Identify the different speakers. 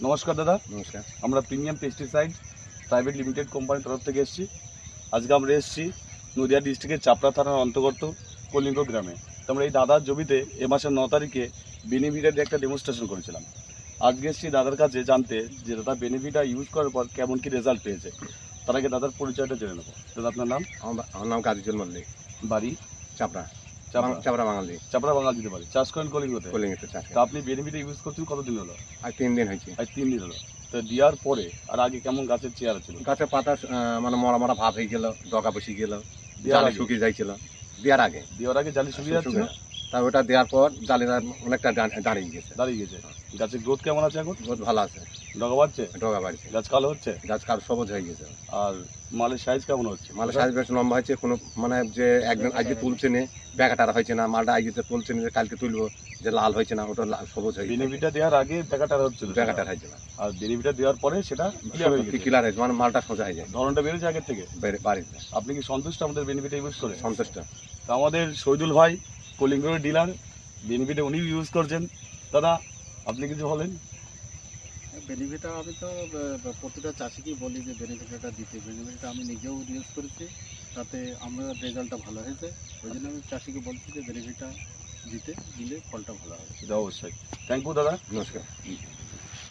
Speaker 1: নমস্কার দাদা।
Speaker 2: নমস্কার।
Speaker 1: আমরা প্রিমিয়াম পেস্টিসাইড প্রাইভেট লিমিটেড কোম্পানির তরফ থেকে এসেছি। আজকে আমরা এসেছি নদিয়া ডিস্ট্রিক্টের চাপড়া থানার অন্তর্গত কলিঙ্গ গ্রামে। তো আমরা এই দাদার জমিতে এ মাসের 9 তারিখে বেনিভিটার একটা ডেমনস্ট্রেশন করেছিলাম। আজকে এসেছি দাদার কাছে জানতে যে দাদা বেনিভিটা ইউজ করার পর কেমন কি রেজাল্ট পেয়েছে। তার আগে দাদার পরিচয়টা জেনে নেবো। দাদা আপনার নাম?
Speaker 2: আমার নাম কাজীজুল মল্লিক,
Speaker 1: বাড়ি?
Speaker 2: চাপড়া।
Speaker 1: চাপড়া
Speaker 2: চাপড়া বাঙালি।
Speaker 1: চাপড়া বাঙাল দিতে পারে। চাষ করেন কলিঙ্গতে?
Speaker 2: কলিঙ্গতে চাষ
Speaker 1: তো আপনি বেনিভিটা ইউজ করছেন কতদিন হলো?
Speaker 2: আর 3 দিন হয়েছে।
Speaker 1: আজ 3 দিন হলো। তো দেওয়ার পরে আর আগে কেমন গাছের চেহারা ছিল?
Speaker 2: গাছের পাতা মানে মরা মরা ভাব হয়ে গেল, ডগা বসে গেল,
Speaker 1: দেওয়ার
Speaker 2: জালি
Speaker 1: আগে?
Speaker 2: শুকিয়ে যাইছিল দেওয়ার আগে।
Speaker 1: দেওয়ার আগে জালি শুকিয়ে যাচ্ছিল?
Speaker 2: তা ওটা দেওয়ার পর জালিটা অনেকটা দাঁড়িয়ে গেছে।
Speaker 1: দাঁড়িয়ে গেছে। গাছের গ্রোথ কেমন আছে এখন?
Speaker 2: বহুত ভালো আছে,
Speaker 1: ডগা বাড়ছে?
Speaker 2: ডগা বাড়ছে,
Speaker 1: গাছ কালো হচ্ছে?
Speaker 2: গাছ কার সবুজ হয়ে গেছে।
Speaker 1: আর মালের সাইজ কেমন হচ্ছে?
Speaker 2: মালের সাইজ বেশ লম্বা হয়েছে। কোনো মানে যে একদিন আজকে তুলছে না, ব্যাগাটার হয়েছে না, মালটা আজকে তুলছে না, যে কালকে তুলবো যে লাল হয়েছে না, ওটা সবুজ হয়ে গেছে।
Speaker 1: বেনিভিটা দেওয়ার আগে ব্যাকাটার হচ্ছিল,
Speaker 2: ব্যাগাটার হয়েছে না,
Speaker 1: আর বেনিভিটা দেওয়ার পরে সেটা ক্লিয়ার হয়ে গেছে।
Speaker 2: ক্লিয়ার হয়েছে, মানে মালটা সোজা হয়ে যায়,
Speaker 1: ধরনটা বেড়েছে আগের থেকে।
Speaker 2: বাড়িতে
Speaker 1: আপনি কি সন্তুষ্ট আমাদের বেনিভিটা ইউজ করে?
Speaker 2: সন্তুষ্ট।
Speaker 1: তো আমাদের শহীদুল ভাই কলিঙ্গের ডিলার, বেনিভিটা উনি ইউজ করছেন। দাদা আপনি কিছু বলেন?
Speaker 3: বেনিফিটটা আমি তো প্রতিটা চাষিকেই বলি যে বেনিফিটটা দিতে। বেনিফিটটা আমি নিজেও ইউজ করেছি, তাতে আমার রেজাল্টটা ভালো হয়েছে। ওই জন্য আমি চাষিকে বলছি যে বেনিফিটটা দিলে ফলটা ভালো হবে।
Speaker 1: অবশ্যই। থ্যাংক ইউ দাদা।
Speaker 2: নমস্কার।